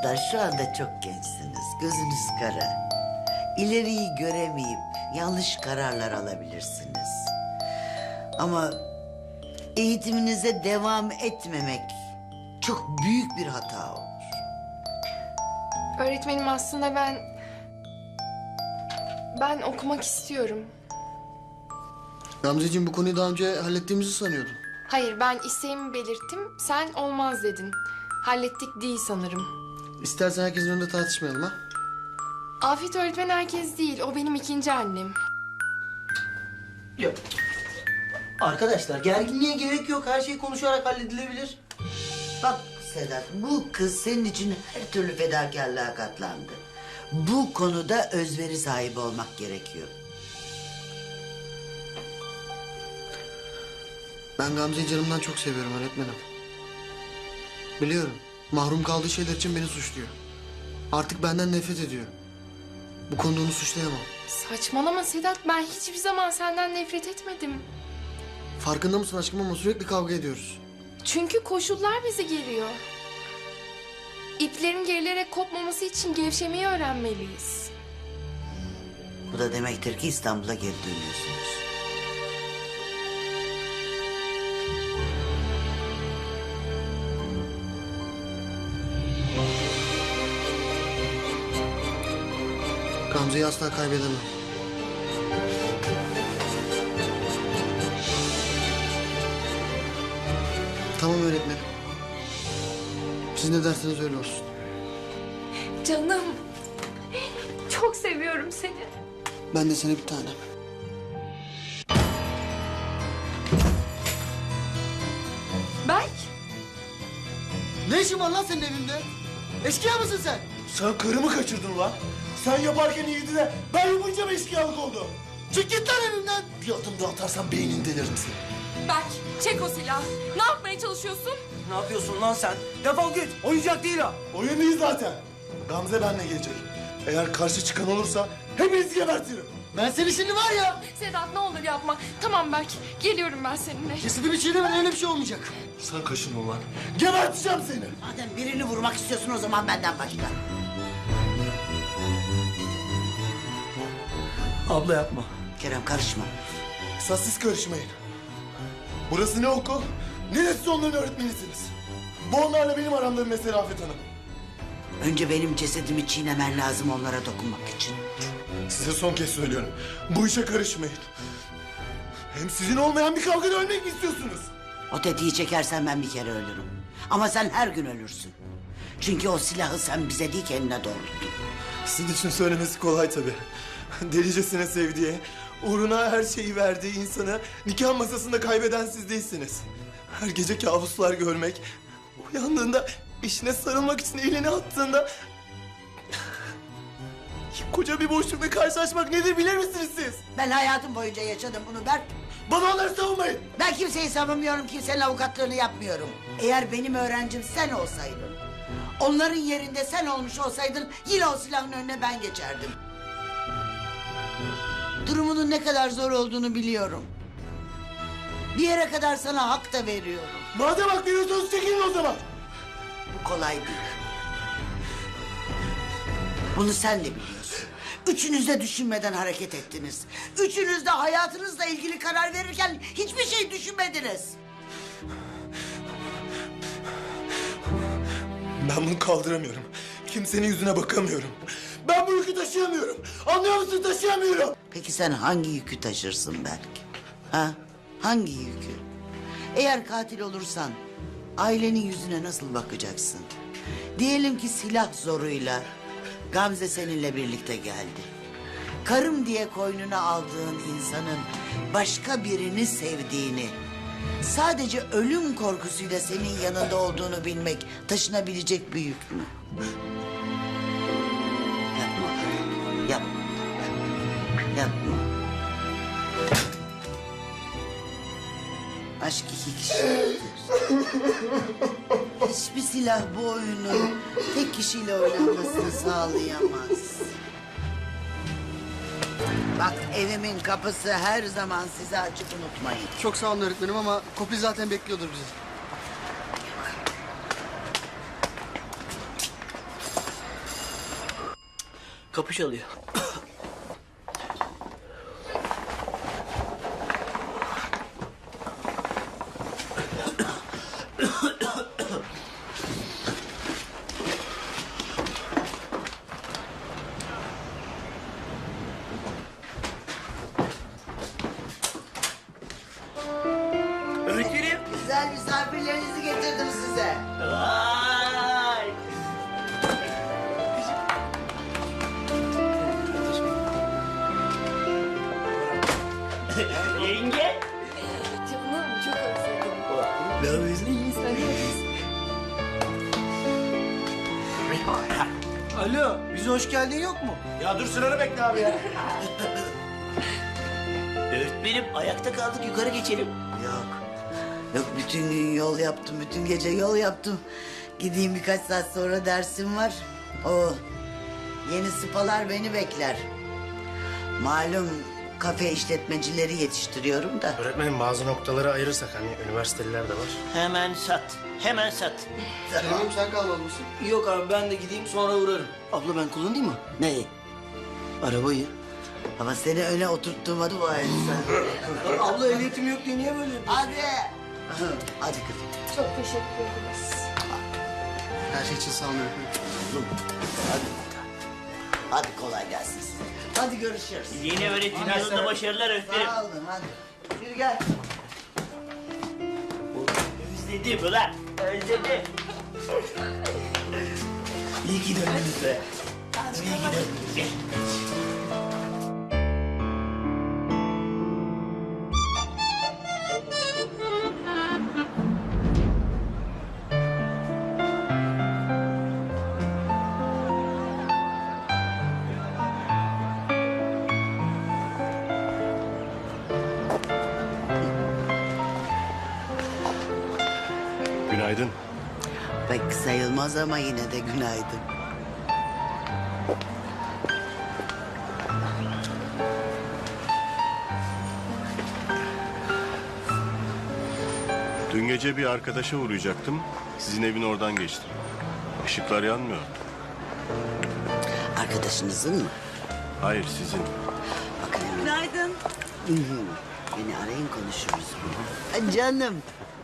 Çocuklar şu anda çok gençsiniz. Gözünüz kara. İleriyi göremeyip yanlış kararlar alabilirsiniz. Ama eğitiminize devam etmemek çok büyük bir hata olur. Öğretmenim aslında ben okumak istiyorum. Gamzeciğim bu konuyu daha önce hallettiğimizi sanıyordum. Hayır, ben isteğimi belirttim. Sen olmaz dedin. Hallettik değil sanırım. İstersen herkesin önünde tartışmayalım ha. Afet öğretmen herkes değil. O benim ikinci annem. Yok. Arkadaşlar gerginliğe gerek yok. Her şey konuşarak halledilebilir. Bak Sedat, bu kız senin için her türlü fedakarlığa katlandı. Bu konuda özveri sahibi olmak gerekiyor. Ben Gamze'yi canımdan çok seviyorum öğretmenim. Biliyorum. Mahrum kaldığı şeyler için beni suçluyor. Artık benden nefret ediyor. Bu konuda onu suçlayamam. Saçmalama Sedat. Ben hiçbir zaman senden nefret etmedim. Farkında mısın aşkım ama sürekli kavga ediyoruz. Çünkü koşullar bizi geriyor. İplerin gerilerek kopmaması için gevşemeyi öğrenmeliyiz. Bu da demektir ki İstanbul'a geri dönüyorsunuz. Gamze'yi asla kaybedemem. Tamam öğretmenim. Siz ne derseniz öyle olsun. Canım. Çok seviyorum seni. Ben de seni bir tanem. Berk. Ne işin var lan senin evimde? Eşkıya mısın sen? Sen karımı kaçırdın lan. Sen yaparken iyiydi de ben yapınca mı eşkıyalık oldu? Çık git lan evimden. Bir adım daha atarsan beynini delerim seni. Berk, çek o silahı. Ne yapmaya çalışıyorsun? Ne yapıyorsun lan sen? Defol git. Oyuncak değil o. Oyun değil zaten. Gamze benle gelecek. Eğer karşı çıkan olursa hepinizi gebertirim. Ben seni şimdi var ya. Sedat ne olur yapma. Tamam Berk, geliyorum ben seninle. Kesildi çiğnemen öyle bir şey olmayacak. Sen kaşın ulan. Geberteceğim seni. Madem birini vurmak istiyorsun o zaman benden başla. Abla yapma. Kerem karışma. Esas siz karışmayın. Burası ne okul, ne de siz onların öğretmenisiniz. Bu onlarla benim aramda bir mesele Afet Hanım. Önce benim cesedimi çiğnemen lazım onlara dokunmak için. Size son kez söylüyorum. Bu işe karışmayın. Hem sizin olmayan bir kavgada ölmek mi istiyorsunuz? O tetiği çekersen ben bir kere ölürüm. Ama sen her gün ölürsün. Çünkü o silahı sen bize değil kendine doğrulttun. Sizin için söylemesi kolay tabii. Delicesine sevdiği, uğruna her şeyi verdiği insanı nikah masasında kaybeden siz değilsiniz. Her gece kabuslar görmek, uyandığında eşine sarılmak için elini attığında... koca bir boşlukla karşılaşmak nedir bilir misiniz siz? Ben hayatım boyunca yaşadım bunu Berk. Bana onları savunmayın. Ben kimseyi savunmuyorum, kimsenin avukatlığını yapmıyorum. Eğer benim öğrencim sen olsaydın, onların yerinde sen olmuş olsaydın yine o silahın önüne ben geçerdim. Durumunun ne kadar zor olduğunu biliyorum. Bir yere kadar sana hak da veriyorum. Madem hak veriyorsanız çekilin o zaman. Bu kolay değil. Bunu sen de biliyorsun. Üçünüz de düşünmeden hareket ettiniz. Üçünüz de hayatınızla ilgili karar verirken hiçbir şey düşünmediniz. Ben bunu kaldıramıyorum. Kimsenin yüzüne bakamıyorum. Ben bu yükü taşıyamıyorum. Anlıyor musun? Taşıyamıyorum. Peki sen hangi yükü taşırsın belki? Ha? Hangi yükü? Eğer katil olursan ailenin yüzüne nasıl bakacaksın? Diyelim ki silah zoruyla Gamze seninle birlikte geldi. Karım diye koynuna aldığın insanın başka birini sevdiğini, sadece ölüm korkusuyla senin yanında olduğunu bilmek taşınabilecek bir yük mü? Yapma. Yapma. Yapma. Aşk iki kişiliktir. Hiçbir silah bu oyunun tek kişiyle oynanmasını sağlayamaz. Bak evimin kapısı her zaman size açık, unutmayın. Çok sağ olun öğretmenim ama Kopil zaten bekliyordur bizi. Kapı çalıyor. Öğretmenim. Güzel misafirlerinizi getirdim size. Vay. Yenge. Canım çok özledim. Ne yapıyorsun? Alo, bize hoş geldin yok mu? Ya dur sıranı bekle abi ya. Öğretmenim ayakta kaldık, yukarı geçelim. Yok. Yok, bütün gün yol yaptım, bütün gece yol yaptım. Gideyim, birkaç saat sonra dersim var. O yeni spalar beni bekler. Malum kafe işletmecileri yetiştiriyorum da. Öğretmenim bazı noktaları ayırırsak hani üniversiteliler de var. Hemen sat, hemen sat. Kerem'im sen kalmalı mısın? Yok abi ben de gideyim sonra uğrarım. Abla ben kullanayım mı? Neyi? Arabayı. Ama seni öne oturttuğuma dua et sen. Abla ehliyetim yok diye niye böyle yapıyorsun? Hadi. Hadi kızım. Çok teşekkür ederiz. Her şey için sağ olun öğretmenim. Hadi. Hadi kolay gelsin size. Hadi görüşürüz. Yeni öğretim yılında başarılar öğretmenim. Sağ olun, hadi. Yürü gel. Özledim ulan, özledim. İyi ki döndünüz be. İyi ki döndünüz. Günaydın. Pek sayılmaz ama yine de günaydın. Dün gece bir arkadaşa uğrayacaktım. Sizin evin oradan geçtim. Işıklar yanmıyor. Arkadaşınızın mı? Hayır sizin. Bakın hemen. Günaydın. Beni arayın, konuşuruz. Ha, canım.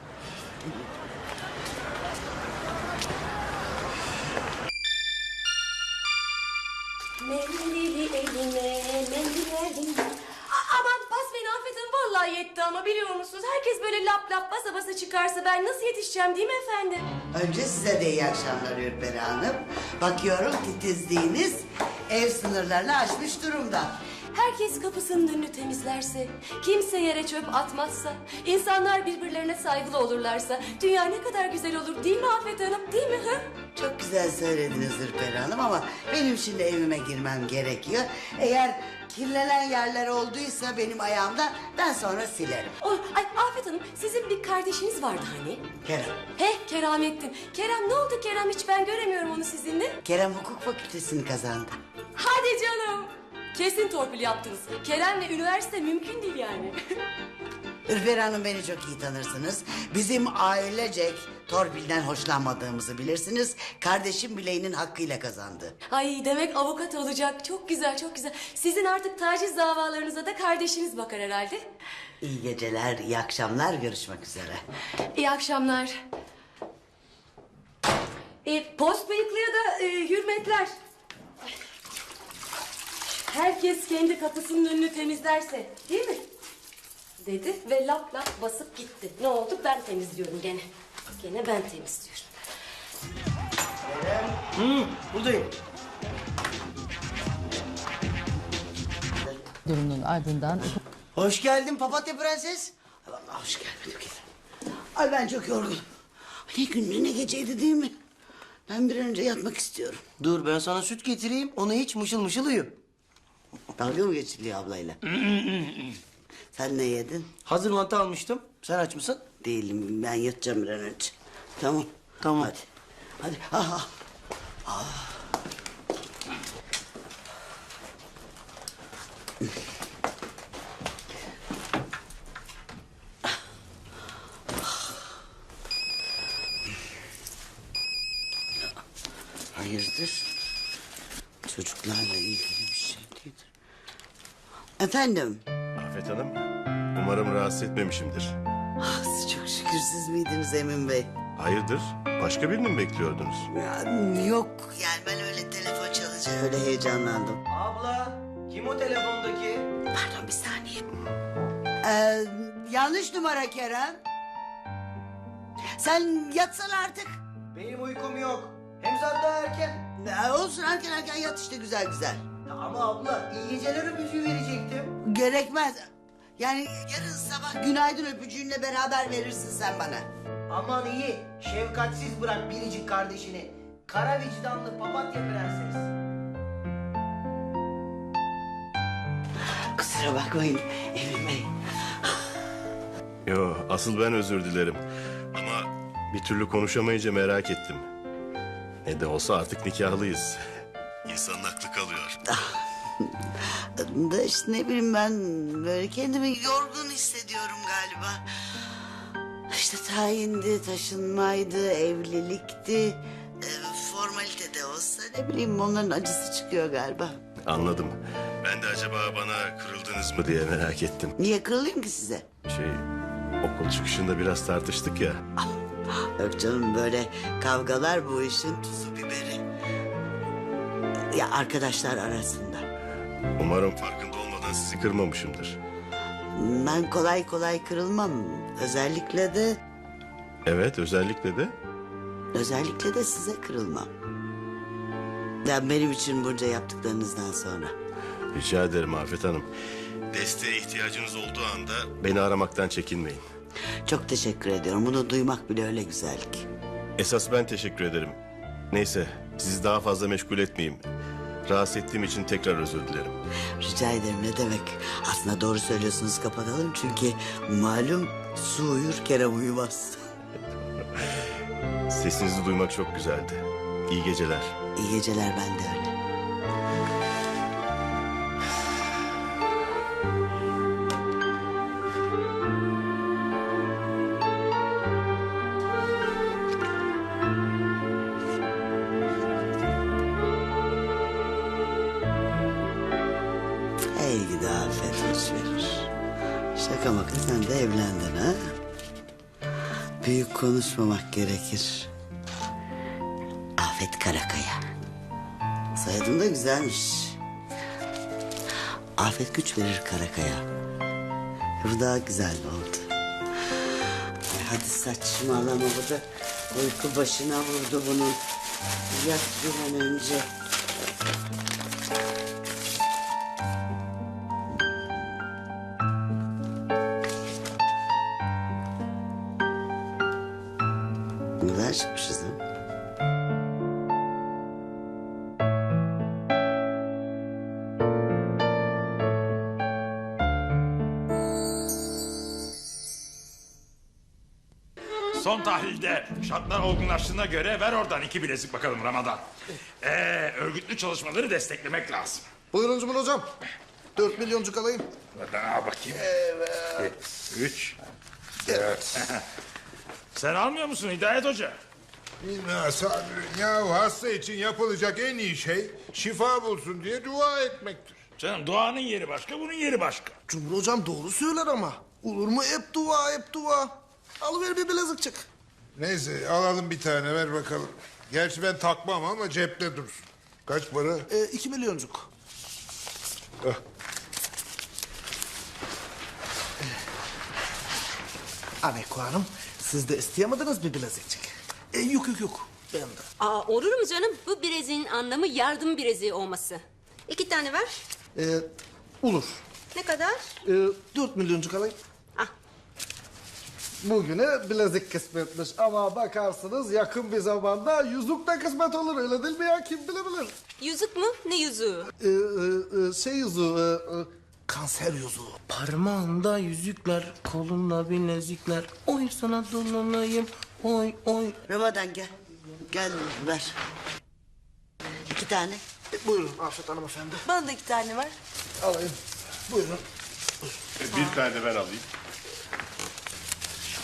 Mendili eline, mendil eline. Aman pas beni affedin, vallahi yetti ama biliyor musunuz? Herkes böyle lap lap basa basa çıkarsa ben nasıl yetişeceğim değil mi efendim? Önce size de iyi akşamlar Ürperi Hanım. Bakıyorum titizliğiniz ev sınırlarını aşmış durumda. Herkes kapısının önünü temizlerse, kimse yere çöp atmazsa, insanlar birbirlerine saygılı olurlarsa dünya ne kadar güzel olur değil mi Afet Hanım, değil mi? Hı? Çok güzel söylediniz Ürperi Hanım ama benim şimdi evime girmem gerekiyor. Eğer kirlenen yerler olduysa benim ayağımda, ben sonra silerim. Ay Afet Hanım, sizin bir kardeşiniz vardı hani? Kerem. Keramettin. Kerem ne oldu Kerem, hiç ben göremiyorum onu sizinle. Kerem hukuk fakültesini kazandı. Hadi canım. Kesin torpil yaptınız. Kerem'le üniversite mümkün değil yani. Ürperi Hanım, beni çok iyi tanırsınız. Bizim ailecek torpilden hoşlanmadığımızı bilirsiniz. Kardeşim bileğinin hakkıyla kazandı. Ay demek avukat olacak. Çok güzel, çok güzel. Sizin artık taciz davalarınıza da kardeşiniz bakar herhalde. İyi geceler, iyi akşamlar, görüşmek üzere. İyi akşamlar. Post bıyıklıya da hürmetler. Herkes kendi kapısının önünü temizlerse, değil mi? Dedi ve lap lap basıp gitti. Ne oldu? Ben temizliyorum gene. Gene ben temizliyorum. Buradayım. Durumun ardından Hoş geldin papatya prenses. Ay vallahi hoş gelmedim ki. Ay ben çok yorgunum. Ne gün ne geceydi değil mi? Ben bir an önce yatmak istiyorum. Dur ben sana süt getireyim, onu hiç mışıl mışıl uyu. Dalga mı geçiliyor ablayla? Sen ne yedin? Hazır mantı almıştım. Sen aç mısın? Değilim, ben yatacağım bir an önce. Tamam. Tamam. Hadi. Hadi. Ah, ah. Hayırdır? Çocuklarla ilgili bir şey değildir. Efendim? Afet Hanım, umarım rahatsız etmemişimdir. Ah, çok şükür siz miydiniz Emin Bey? Hayırdır? Başka birini mi bekliyordunuz? Ya, yok yani ben öyle telefon çalınca öyle heyecanlandım. Abla kim o telefondaki? Pardon bir saniye. Yanlış numara Kerem. Sen yatsan artık. Benim uykum yok. Hem zaten daha erken. Olsun erken yat işte güzel güzel. Ama abla iyi geceler öpücüğü verecektim. Gerekmez. Yani yarın sabah günaydın öpücüğünle beraber verirsin sen bana. Aman iyi. Şefkatsiz bırak biricik kardeşini. Kara vicdanlı papatya prenses. Kusura bakmayın Emin Bey. Yo, asıl ben özür dilerim. Ama bir türlü konuşamayınca merak ettim. Ne de olsa artık nikahlıyız. İnsanın aklı kalıyor. Da işte ne bileyim ben böyle kendimi yorgun hissediyorum galiba. İşte tayindi, taşınmaydı, evlilikti. Formalite de olsa ne bileyim onların acısı çıkıyor galiba. Anladım. Ben de acaba bana kırıldınız mı diye merak ettim. Niye kırılayım ki size? Okul çıkışında biraz tartıştık ya. Yok canım böyle kavgalar bu işin tuzu biberi. Ya arkadaşlar arasında. Umarım farkında olmadan sizi kırmamışımdır. Ben kolay kolay kırılmam. Özellikle de Evet, özellikle de size kırılmam. Ya benim için bunca yaptıklarınızdan sonra. rica ederim Afet Hanım. Desteğe ihtiyacınız olduğu anda beni aramaktan çekinmeyin. Çok teşekkür ediyorum. Bunu duymak bile öyle güzel ki. Esas ben teşekkür ederim. Neyse, sizi daha fazla meşgul etmeyeyim. Rahatsız ettiğim için tekrar özür dilerim. Rica ederim ne demek. Aslında doğru söylüyorsunuz kapatalım. Çünkü malum su uyur Kerem uyumaz. Sesinizi duymak çok güzeldi. İyi geceler. İyi geceler ben de öyle. Hey gidi afet hoş verir. Şaka maka sen de evlendin ha? Büyük konuşmamak gerekir. Afet Karakaya. Soyadın da güzelmiş. Afet güç verir Karakaya. Bu daha güzel oldu. Ay hadi saçmalama bu da uyku başına vurdu bunun. Yat bir an önce. Ne kadar çıkmışız ha? Son tahlilde şartlar olgunlaştığına göre ver oradan 2 bilezik bakalım Ramazan. Örgütlü çalışmaları desteklemek lazım. Buyurun Cumhur Hocam. 4 milyoncuk alayım. Daha bakayım. Evet. 3. 4. Sen almıyor musun Hidayet Hoca? Bilmem Sabri. Ya hasta için yapılacak en iyi şey şifa bulsun diye dua etmektir. Canım duanın yeri başka, bunun yeri başka. Cumhur Hocam doğru söyler ama. Olur mu hep dua hep dua. Alıver bir bilezikçik. Neyse alalım bir tane ver bakalım. Gerçi ben takmam ama cepte dursun. Kaç para? 2 milyoncuk. Ah. Aneko Hanım siz de isteyemediniz bir bilezikçik. Yok ben de. Aa, olur mu canım? Bu bileziğin anlamı yardım bileziği olması. 2 tane ver. Olur. Ne kadar? 4 milyoncuk alayım. Ah. Bugüne bilezik kısmetmiş ama bakarsınız yakın bir zamanda yüzük de kısmet olur öyle değil mi ya kim bilebilir? Yüzük mü? Ne yüzüğü? Şey yüzüğü, kanser yüzüğü. Parmağında yüzükler, kolunda bilezikler. Oy sana dolanayım, oy oy. Ramazan gel. Gel ver. 2 tane. Buyurun Afet hanımefendi. Bana da 2 tane ver. Alayım. Buyurun. Bir tane de ben alayım.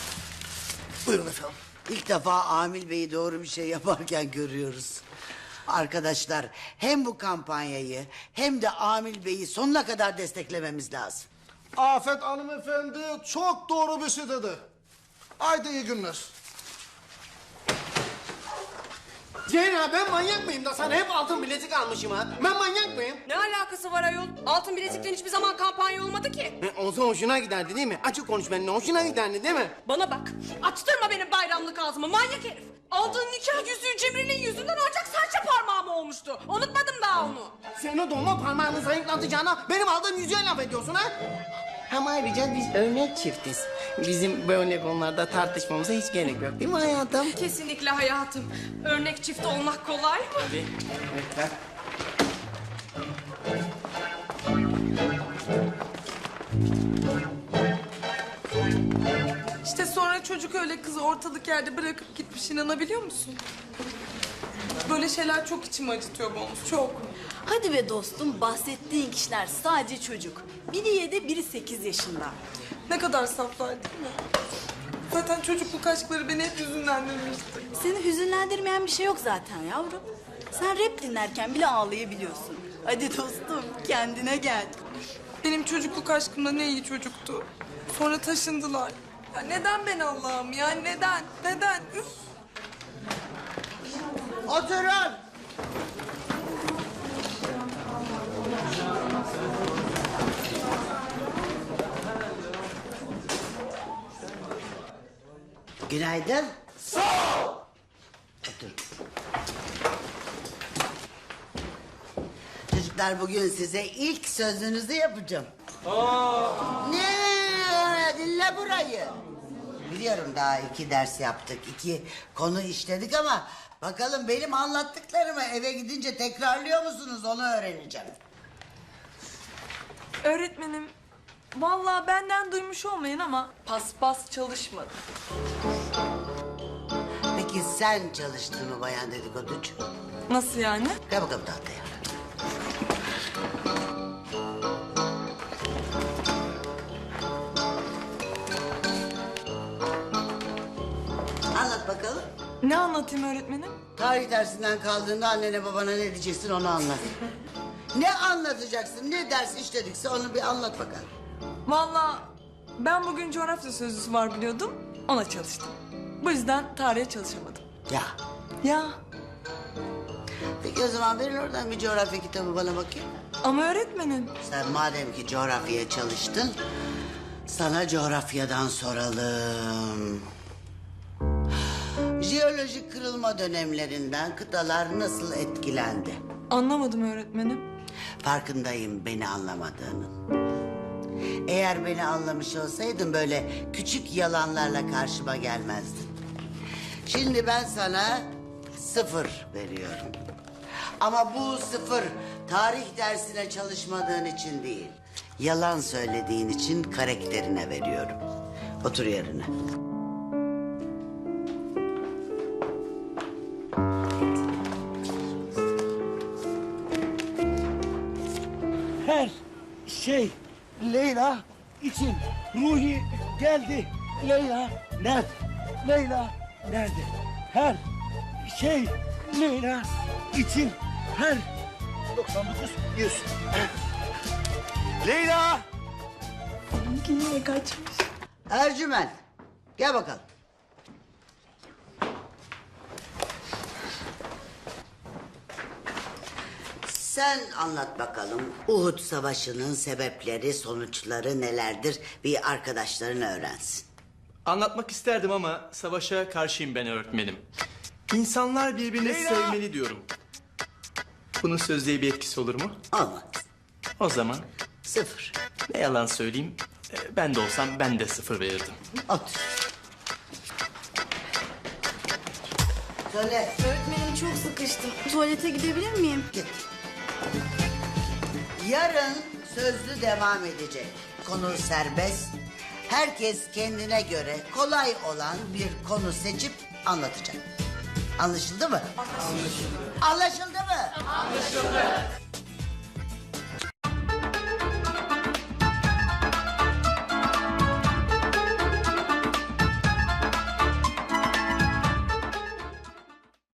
Buyurun efendim. İlk defa Amil Bey'i doğru bir şey yaparken görüyoruz. Arkadaşlar hem bu kampanyayı hem de Amil Bey'i sonuna kadar desteklememiz lazım. Afet hanımefendi çok doğru bir şey dedi. Haydi iyi günler. Zehra ben manyak mıyım da sana hep altın bilezik almışım ha? Ben manyak mıyım? Ne alakası var ayol? Altın bilezikten hiçbir zaman kampanya olmadı ki. Olsa hoşuna giderdi değil mi? Açık konuş benimle, hoşuna giderdi değil mi? Bana bak, açtırma benim bayramlık ağzımı manyak herif. Aldığın nikah yüzüğü Cemre'nin yüzünden ancak serçe parmağım olmuştu. Unutmadım daha onu. Sen o dolma parmağını zayıflatacağına benim aldığım yüzüğe laf ediyorsun ha? Hem ayrıca biz örnek çiftiz. Bizim böyle konularda tartışmamıza hiç gerek yok değil mi hayatım? Kesinlikle hayatım. Örnek çift olmak kolay mı? Tabii. Evet, bak. İşte sonra çocuk öyle kızı ortalık yerde bırakıp gitmiş, inanabiliyor musun? Böyle şeyler çok içimi acıtıyor Bonus, çok. Hadi be dostum, bahsettiğin kişiler sadece çocuk. Biri 7, biri 8 yaşında. Ne kadar saflar değil mi? Zaten çocukluk aşkları beni hep hüzünlendirmişti. Seni hüzünlendirmeyen bir şey yok zaten yavrum. Sen rap dinlerken bile ağlayabiliyorsun. Hadi dostum, kendine gel. Benim çocukluk aşkımda ne iyi çocuktu. Sonra taşındılar. Ya neden ben Allah'ım ya, neden? Neden? Üf. Oturun. Günaydın. Sağ ol. Otur. Çocuklar bugün size ilk sözünüzü yapacağım. Ne? Dinle burayı. Biliyorum daha 2 ders yaptık, 2 konu işledik ama bakalım benim anlattıklarımı eve gidince tekrarlıyor musunuz onu öğreneceğim. Öğretmenim, vallahi benden duymuş olmayın ama paspas çalışmadı. Peki sen çalıştın mı bayan dedikoducu? Nasıl yani? Gel bakalım tahtaya. Anlat bakalım. Ne anlatayım öğretmenim? Tarih dersinden kaldığında annene babana ne diyeceksin onu anlat. Ne anlatacaksın, ne ders işledikse onu bir anlat bakalım. Vallahi ben bugün coğrafya sözlüsü var biliyordum, ona çalıştım. Bu yüzden tarihe çalışamadım. Ya. Ya Peki o zaman verin oradan bir coğrafya kitabı bana bakayım. ama öğretmenim. Sen madem ki coğrafyaya çalıştın, sana coğrafyadan soralım. Jeolojik kırılma dönemlerinden kıtalar nasıl etkilendi? Anlamadım öğretmenim. Farkındayım beni anlamadığının. Eğer beni anlamış olsaydın böyle küçük yalanlarla karşıma gelmezdin. Şimdi ben sana 0 veriyorum. Ama bu 0 tarih dersine çalışmadığın için değil, yalan söylediğin için karakterine veriyorum. Otur yerine. Her şey Leyla için. Ruhi geldi. Leyla nerede? Leyla nerede? Her şey Leyla için. Her 99 100. Leyla! Yine kaçmış. Ercüment, gel bakalım. Sen anlat bakalım. Uhud Savaşı'nın sebepleri, sonuçları nelerdir? Bir arkadaşların öğrensin. Anlatmak isterdim ama savaşa karşıyım ben öğretmenim. İnsanlar birbirini sevmeli diyorum. Bunun sözlüğe bir etkisi olur mu? Olmaz. O zaman 0. ne yalan söyleyeyim, ben de olsam ben de 0 verirdim. Otur. Söyle. Öğretmenim çok sıkıştım. Tuvalete gidebilir miyim? Git. Yarın sözlü devam edecek. Konu serbest. Herkes kendine göre kolay olan bir konu seçip anlatacak. Anlaşıldı mı? Anlaşıldı mı? Anlaşıldı.